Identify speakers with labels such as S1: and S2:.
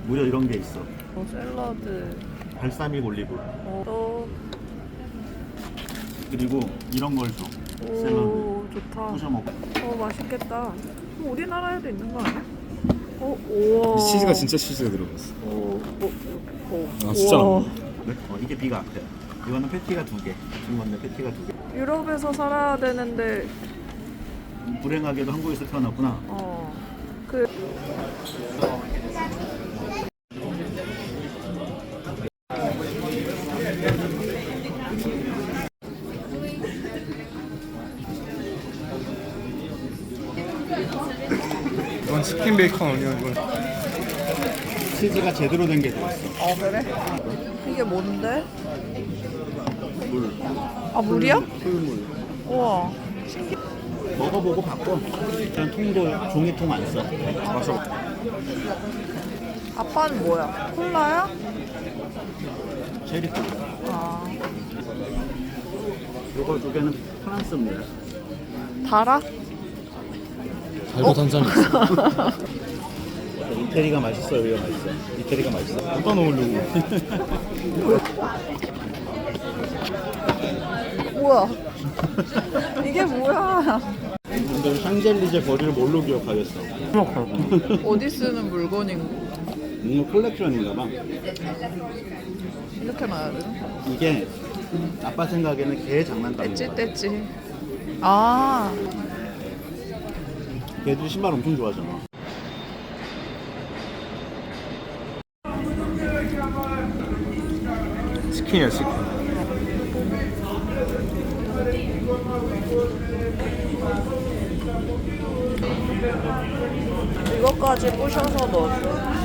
S1: 무려 이런 게 있어.
S2: 샐러드.
S1: 발사믹 올리브.
S2: 또.
S1: 그리고 이런 걸 줘. 샐러드.
S2: 오, 좋다.
S1: 부셔 먹고.
S2: 맛있겠다. 우리나라에도 있는 거 아니야? 우와.
S3: 이 치즈가 진짜 치즈가 들어갔어. 아, 진짜 안
S2: 우와.
S3: 먹어.
S1: 네? 이게 비가 앞에. 이거는 패티가 2개. 준 건데 패티가 2개.
S2: 유럽에서 살아야 되는데
S1: 불행하게도 한국에서 태어났구나.
S2: 그
S3: 이건 치킨 베이컨 아니야 이건.
S1: 치즈가 제대로 된 게 들어있어.
S2: 그래? 이게 뭔데?
S1: 물.
S2: 아, 물이야?
S1: 풀물.
S2: 우와.
S1: 먹어보고 바꿔. 일단 통도 종이통 안 써.
S3: 마셔.
S2: 아빠는 뭐야? 콜라야?
S1: 체리콜.
S2: 아,
S1: 요거 2개는 프랑스입니다.
S2: 달아?
S3: 달고 단짠이 있어.
S1: 이태리가 맛있어, 여기가 맛있어. 이태리가 맛있어.
S3: 어디다 넣으려고.
S2: 우와. 이게 뭐야?
S1: 근데 샹젤리제 거리를 뭘로 기억하겠어?
S2: 어디 쓰는 물건인
S1: 뭔가 컬렉션인가 봐.
S2: 이렇게 놔야 되나?
S1: 이게 아빠 생각에는 개 장난감인 거야.
S2: 떼찌. 아,
S1: 걔들이 신발 엄청 좋아하잖아.
S3: 치킨이야 치킨.
S2: 이것까지 부셔서 넣어줘.